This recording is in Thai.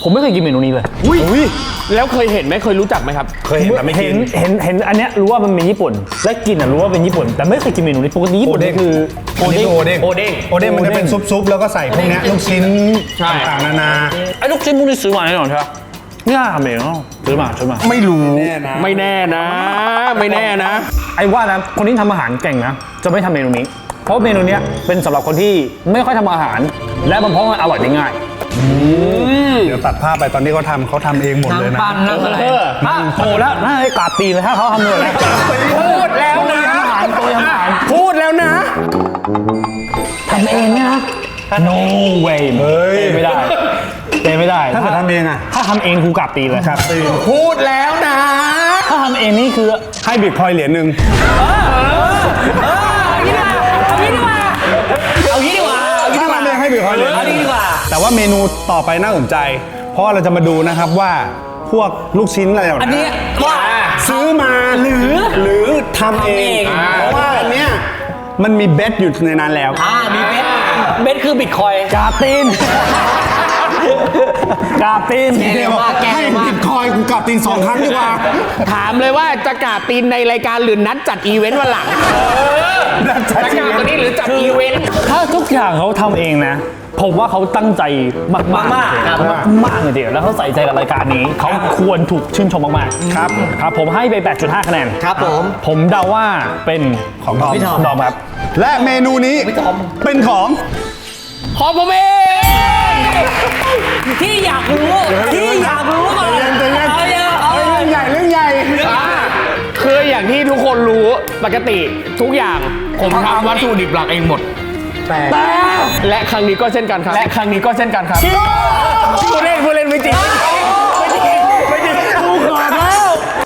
ผมไม่เคยกินเมนูนี้เลยอุ้ยแล้วเคยเห็นไหมเคยรู้จักไหมครับเคยเห็นแต่ไม่กินเห็นอันเนี้ยรู้ว่ามันเป็นญี่ปุ่นและกินอ่ะรู้ว่าเป็นญี่ปุ่นแต่ไม่เคยกินเมนูนี้ปกติญี่ปุ่นนี่คือโอเด้งโอเด้งมันจะเป็นซุปๆแล้วก็ใส่พวกเนี้ยลูกชิ้นใช่ต่างๆนานาไอ้ลูกชิ้นพวกนี้ซื้อมาแน่นอนใช่ปะเนี่ยทำเองเหรอซื้อมาไม่รู้ไม่แน่นะ ไม่แน่นะไอ้ว่านะคนที่ทำอาหารเก่งนะจะไม่ทำเมนูนี้ เพราะเมนูเนี้ยเป็นสำหรับคนที่ไม่ค่อยทำอาหาร และมันเพราะมันอร่อยได้ง่ายเดี๋ยวตัดภาพไปตอนที่เขาทำเองหมดเลยนะปั้นนั่งอะไรโอ้แล้วน่าจะกราบตีนเลยถ้าเขาทำเลยนะพูดแล้วนะอาหารตัวอาหารพูดแล้วนะทำเองเนี่ยนะ no way เฮ้ยไม่ได้ไม่ได้ถ้าเกิดทำเองอะถ้าทำเองกูกราบตีนเลยครับตีพูดแล้วนะถ้าทำเองนี่คือให้บิตคอยน์เหรียญหนึ่งเอางี้ดีกว่าถ้าทำเองให้บิตคอยน์เหรียญหนึ่งดีกว่าแต่ว่าเมนูต่อไปน่าสนใจ เพราะว่าเราจะมาดูนะครับว่าพวกลูกชิ้นอะไรเหล่าอันนี้นี้ว่าซื้อมาหรือทำเอง เพราะว่าอันเนี้ยมันมีเบสอยู่ในนั้นแล้วมีเบสคือบิตคอยกราบตีนกราบตีนเดี๋ยวบอกให้บิตคอยน์กูกลับตีน2 ครั้งดีกว่าถามเลยว่าจะกราบตีนในรายการหรือนัดจัดอีเวนต์วันหลังจะกราบตัวนี้หรือจัดอีเวนต์ถ้าทุกอย่างเขาทำเองนะ ผมว่าเขาตั้งใจมากๆมากเลยเดียวแล้วเขาใส่ใจกับรายการนี้ เขาควรถูกชื่นชมมากๆครับครับผมให้ไป 8.5 คะแนนครับผมผมเดาว่าเป็นของพี่ทอมดอมครับและเมนูนี้เป็นของขอผมเองที่อยากรู้ก่อนใจเย็นเอาเยอะเอาเรื่องใหญ่คืออย่างที่ทุกคนรู้ปกติทุกอย่างผมทำวัตถุดิบหลักเองหมด แต่และครั้งนี้ก็เช่นกันครับและครั้งนี้ก็เช่นกันครับพูดเล่น